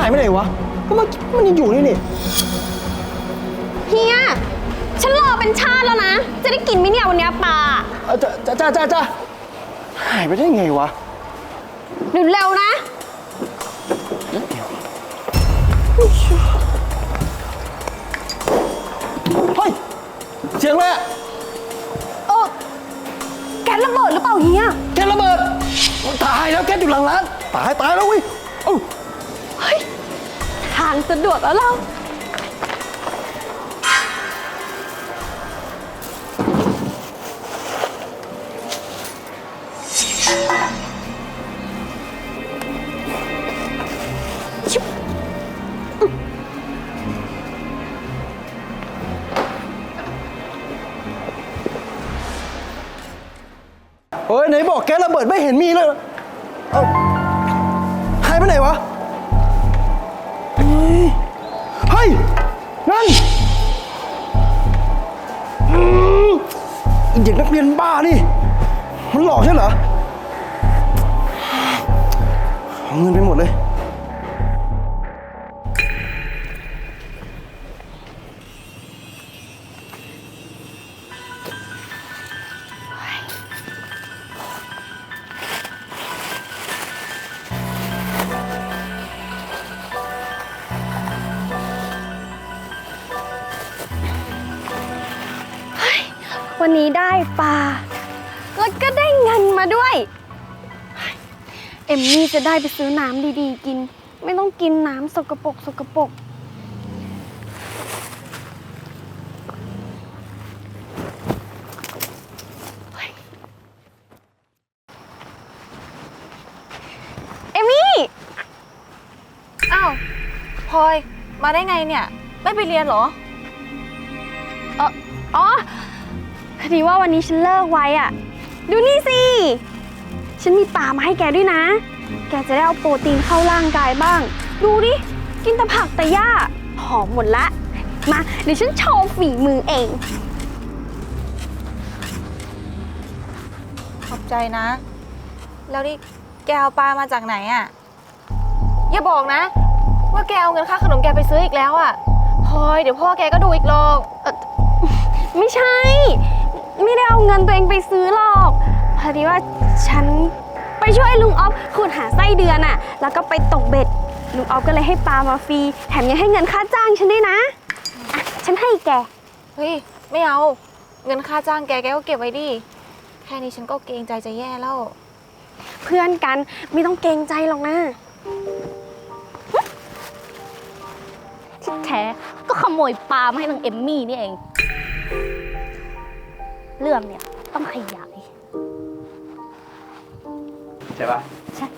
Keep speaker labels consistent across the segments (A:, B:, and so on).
A: ไปไหนวะก็มันยังอยู่นี่
B: เฮียฉันรอเป็นชาติแล้วนะ จะได้กินไหมเนี่ยวันนี้ปลา
A: จ้าหายไปได้ไงวะ
B: เร็วๆนะ
A: เฮ้ยเสียงอะไรอะ
B: แก๊สระเบิดหรือเปล่าเฮีย
A: แก๊สระเบิดตายแล้วแก๊สอยู่หลังร้านตายแล้วเว้ย
B: เฮ้ยทางสะดวกแล้วเรา
A: เฮ้ยไหนบอกแก๊สระเบิดไม่เห็นมีเลยหายไปไหนวะเฮ้ยนั่นเด็กนักเรียนบ้านี่มันหลอกใช่เหรอเอาเงินไปหมดเลย
B: วันนี้ได้ปลาแล้วก็ได้เงินมาด้วยเอมมี่จะได้ไปซื้อน้ำดีๆกินไม่ต้องกินน้ำสกปรกเอมมี่
C: อ้าวพลอยมาได้ไงเนี่ยไม่ไปเรียนเหรอ
B: อ๋อพอดีว่าวันนี้ฉันเลิกไว้อ่ะดูนี่สิฉันมีปลามาให้แกด้วยนะแกจะได้เอาโปรตีนเข้าร่างกายบ้างดูดิกินแต่ผักแต่หญ้าหอมหมดละมาเดี๋ยวฉันโชว์ฝีมือเอง
C: ขอบใจนะแล้วนี่แกเอาปลามาจากไหนอ่ะอย่าบอกนะว่าแกเอาเงินค่าขนมแกไปซื้ออีกแล้วอ่ะพลอยเดี๋ยวพ่อแกก็ดูอีกหรอก
B: ไม่ใช่ไม่ได้เอาเงินตัวเองไปซื้อหรอกพอดีว่าฉันไปช่วยลุงออฟขุดหาไส้เดือนอะแล้วก็ไปตกเบ็ดลุงออฟก็เลยให้ปลามาฟรีแถมยังให้เงินค่าจ้างฉันด้วยนะอ่ะฉันให้แก
C: เฮ้ยไม่เอาเงินค่าจ้างแกก็เก็บไว้ดิแค่นี้ฉันก็เกรงใจจะแย่แล้ว
B: เพื่อนกันไม่ต้องเกรงใจหรอกนะ
D: ที่แท้ก็ขโมยปลามาให้นางเอมมี่นี่เองเรื่องเนี่ยต้องขยาย
A: ใช่ปะ
D: ใช่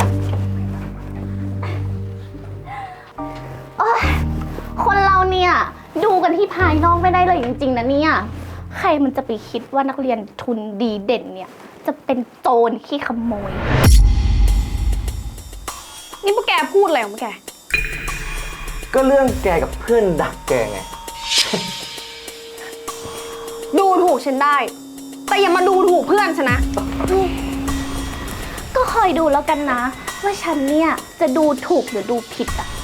D: คนเราเนี่ยดูกันที่ภายนอกไม่ได้เลยจริงๆนะเนี่ยใครมันจะไปคิดว่านักเรียนทุนดีเด่นเนี่ยจะเป็นโจรขี้ขโมย
B: นี่พวกแกพูดอะไรของพวกแก
A: ก็เรื่องแกกับเพื่อนดักแกไง
B: ดูถูกฉันได้แต่อย่ามาดูถูกเพื่อนฉันนะ
D: ก็คอยดูแล้วกันนะว่าฉันเนี่ยจะดูถูกหรือดูผิดอ่ะ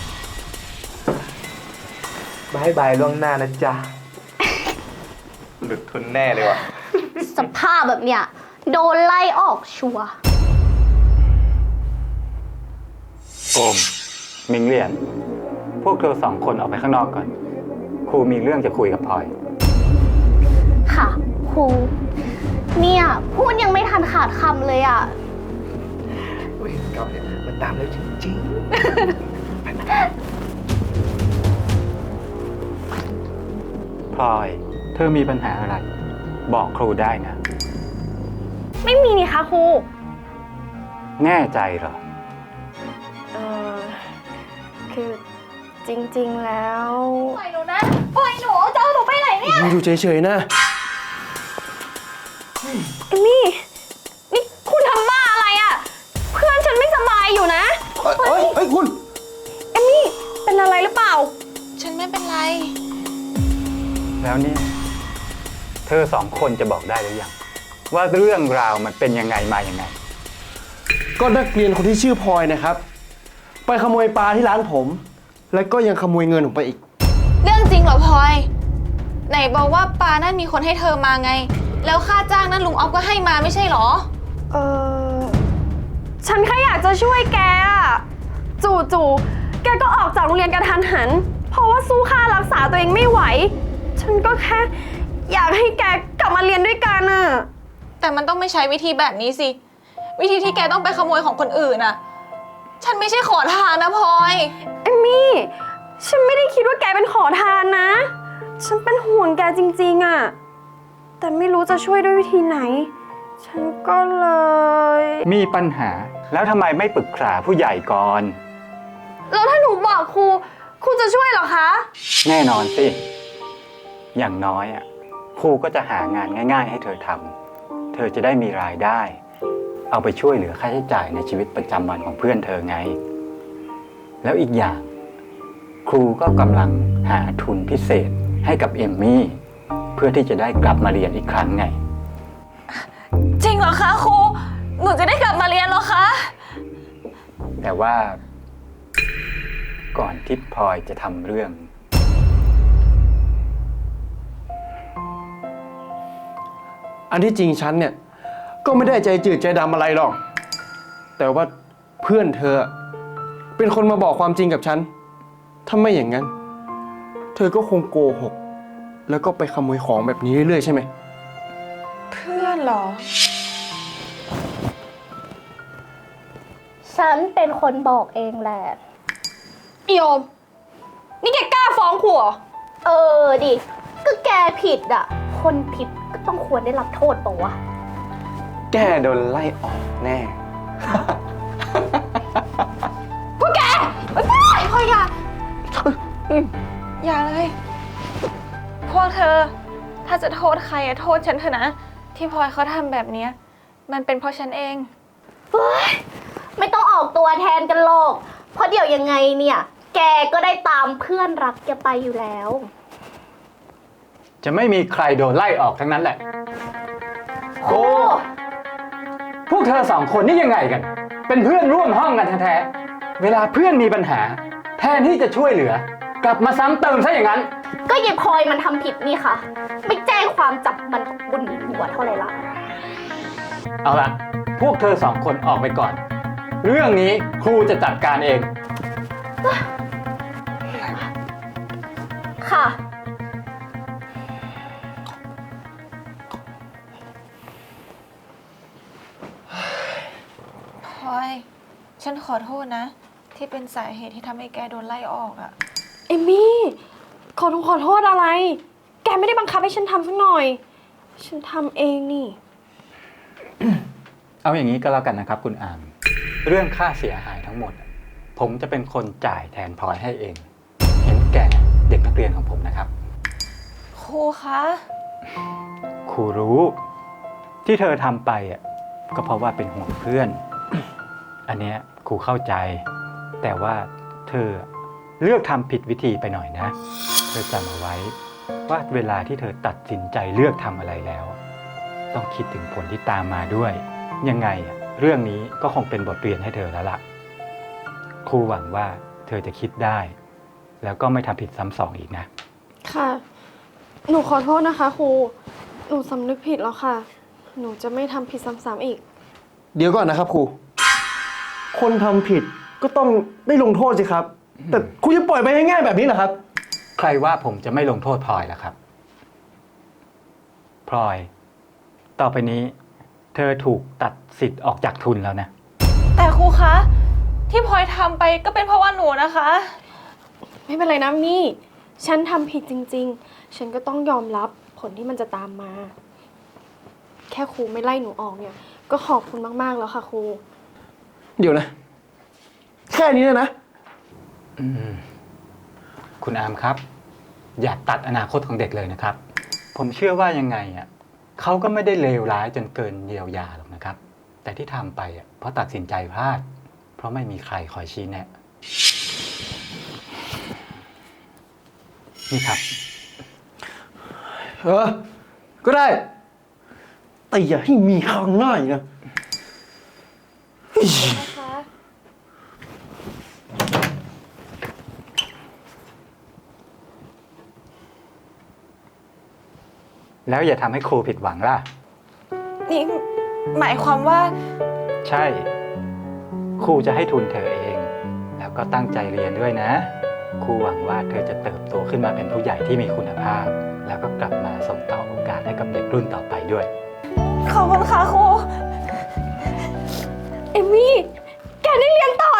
A: บายบายล่วงหน้านะจ๊ะหลุดทุนแน่เลยว่ะ
D: สภาพแบบเนี้ยโดนไล่ออกชัวร์
E: โอมมิงเรียนพวกเธอ2 คนออกไปข้างนอกก่อนครูมีเรื่องจะคุยกับพลอย
D: ค่ะครูเนี่ยพูดยังไม่ทันขาดคำเลยอ่ะ
A: เวรกรรมเนี่ยมันตามแล้วจริง
E: พลอยเธอมีปัญหาอะไรบอกครูได้นะ
B: ไม่มีนี่คะครู
E: แน่ใจเหรอ
B: คือจริงๆแล้ว
C: ปล่อยหนูนะปล่อยหนูจะเอาหนูไปไหนเนี่ย
A: อยู่เฉยๆนะ
B: เอมมี่นี่คุณทำบ้าอะไรอ่ะเพื่อนฉันไม่สบายอยู่นะ
A: เฮ้ยคุณ
B: เอมมี่เป็นอะไรหรือเปล่า
C: ฉันไม่เป็นไร
E: แล้วเนี่ยเธอ2 คนจะบอกได้หรือยังว่าเรื่องราวมันเป็นยังไงมายังไง
A: ก็นักเรียนคนที่ชื่อพลอยนะครับ
F: ไปขโมยปลาที่ร้านผม แล้วก็ยังขโมยเงินผมไปอีก
C: เรื่องจริงเหรอพลอย ไหนบอกว่าปลานั่นมีคนให้เธอมาไง แล้วค่าจ้างนั้นลุงออฟก็ให้มาไม่ใช่เหรอ
B: ฉันแค่อยากจะช่วยแกอะจู่ๆแกก็ออกจากโรงเรียนกระทันหัน เพราะว่าสู้ค่ารักษาตัวเองไม่ไหว ฉันก็แค่อยากให้แกกลับมาเรียนด้วยกันอะ
C: แต่มันต้องไม่ใช้วิธีแบบนี้สิ วิธีที่แกต้องไปขโมยของคนอื่นน่ะ ฉันไม่ใช่ขอทานนะพลอย
B: เอมมี่ ฉันไม่ได้คิดว่าแกเป็นขอทานนะ ฉันเป็นห่วงแกจริงๆอะแต่ไม่รู้จะช่วยด้วยวิธีไหน ฉันก็เลย
E: มีปัญหาแล้วทำไมไม่ปรึกษาผู้ใหญ่ก่อน
B: แล้วถ้าหนูบอกครูจะช่วยเหรอคะ
E: แน่นอนสิ อย่างน้อยครูก็จะหางานง่ายๆให้เธอทำ เธอจะได้มีรายได้ เอาไปช่วยเหลือค่าใช้จ่ายในชีวิตประจำวันของเพื่อนเธอไง แล้วอีกอย่าง ครูก็กำลังหาทุนพิเศษให้กับเอมมี่เพื่อที่จะได้กลับมาเรียนอีกครั้งไง
C: จริงเหรอคะครู หนูจะได้กลับมาเรียนเหรอคะ
E: แต่ว่าก่อนที่พลอยจะทำเรื่อง
F: อันที่จริงฉันเนี่ยก็ไม่ได้ใจจืดใจดำอะไรหรอก แต่ว่าเพื่อนเธอเป็นคนมาบอกความจริงกับฉัน ถ้าไม่อย่างนั้น เธอก็คงโกหก แล้วก็ไปขโมยของแบบนี้เรื่อยๆใช่ไหม
C: เพื่อนเหรอ
D: ฉันเป็นคนบอกเองแหละ
B: โยม นี่แกกล้าฟ้องครูเหรอ
D: เออดิ ก็แกผิดอ่ะ คนผิดก็ต้องควรได้รับโทษปะวะ
A: แกโดนไล่ออกแน่
C: พวกแกพลอยอย่าเลย พวกเธอ ถ้าจะโทษใครโทษฉันเถอะนะ ที่พลอยเขาทำแบบเนี้ยมันเป็นเพราะฉันเอง
D: เฮ้ย ไม่ต้องออกตัวแทนกันหรอก เพราะเดี๋ยวยังไงเนี่ย แกก็ได้ตามเพื่อนรักแกไปอยู่แล้ว
E: จะไม่มีใครโดนไล่ออกทั้งนั้นแหละ
D: โอ้
E: พวกเธอสองคนนี่ยังไงกัน เป็นเพื่อนร่วมห้องกันแท้ๆ เวลาเพื่อนมีปัญหา แทนที่จะช่วยเหลือ กลับมาซ้ำเติมซะอย่างนั้น
D: ก็ยายพลอยมันทำผิดนี่ค่ะ ไม่แจ้งความจับมันก็บุญหัวเท่าไหร่ละ
E: เอาละพวกเธอสองคนออกไปก่อน เรื่องนี้ครูจะจัดการเอง
D: ค่ะ
C: พลอย ฉันขอโทษนะ ที่เป็นสาเหตุที่ทำให้แกโดนไล่ออกอะ
B: เอมมี่ ขอโทษอะไร แกไม่ได้บังคับให้ฉันทำสักหน่อย ฉันทำเองนี่
E: เอาอย่างนี้ก็แล้วกันนะครับคุณอาม เรื่องค่าเสียหายทั้งหมด ผมจะเป็นคนจ่ายแทนพลอยให้เอง เห็นแก่เด็กนักเรียนของผมนะครับ
C: ครูคะ
E: ครูรู้ที่เธอทำไปก็เพราะว่าเป็นห่วงเพื่อน อันเนี้ยครูเข้าใจ แต่ว่าเธอเลือกทำผิดวิธีไปหน่อยนะ เธอจำเอาไว้ว่าเวลาที่เธอตัดสินใจเลือกทำอะไรแล้ว ต้องคิดถึงผลที่ตามมาด้วย ยังไงเรื่องนี้ก็คงเป็นบทเรียนให้เธอแล้วล่ะ ครูหวังว่าเธอจะคิดได้ แล้วก็ไม่ทำผิดซ้ำสองอีกนะ
B: ค่ะ หนูขอโทษนะคะครู หนูสำนึกผิดแล้วค่ะ หนูจะไม่ทำผิดซ้ำๆอีก
F: เดี๋ยวก่อนนะครับครู คนทำผิดก็ต้องได้ลงโทษสิครับ แต่ครูจะปล่อยไปง่ายๆแบบนี้เหรอครับ
E: ใครว่าผมจะไม่ลงโทษพลอยล่ะครับ พลอย ต่อไปนี้ เธอถูกตัดสิทธิ์ออกจากทุนแล้วนะ
C: แต่ครูคะ ที่พลอยทำไปก็เป็นเพราะว่าหนูนะคะ
B: ไม่เป็นไรนะมี่ ฉันทำผิดจริงๆ ฉันก็ต้องยอมรับผลที่มันจะตามมา แค่ครูไม่ไล่หนูออกเนี่ย ก็ขอบคุณมากๆแล้วค่ะครู
F: เดี๋ยวนะ แค่นี้นะ
E: คุณอามครับ อย่าตัดอนาคตของเด็กเลยนะครับ ผมเชื่อว่ายังไงเขาก็ไม่ได้เลวร้ายจนเกินเยียวยาหรอกนะครับ แต่ที่ทำไปเพราะตัดสินใจพลาด เพราะไม่มีใครคอยชี้แนะ นี่ครับ
F: ก็ได้ แต่อย่าให้มีครั้งหน้าอีกนะ
C: นะคะ
E: แล้วอย่าทำให้ครูผิดหวังล่ะ
C: นี่หมายความว่า
E: ใช่ ครูจะให้ทุนเธอเอง แล้วก็ตั้งใจเรียนด้วยนะ ครูหวังว่าเธอจะเติบโตขึ้นมาเป็นผู้ใหญ่ที่มีคุณภาพ แล้วก็กลับมาส่งต่อโอกาสให้กับเด็กรุ่นต่อไปด้วย
C: ขอบคุณค่ะครู
B: เอมมี่ แกได้เรียนต่อ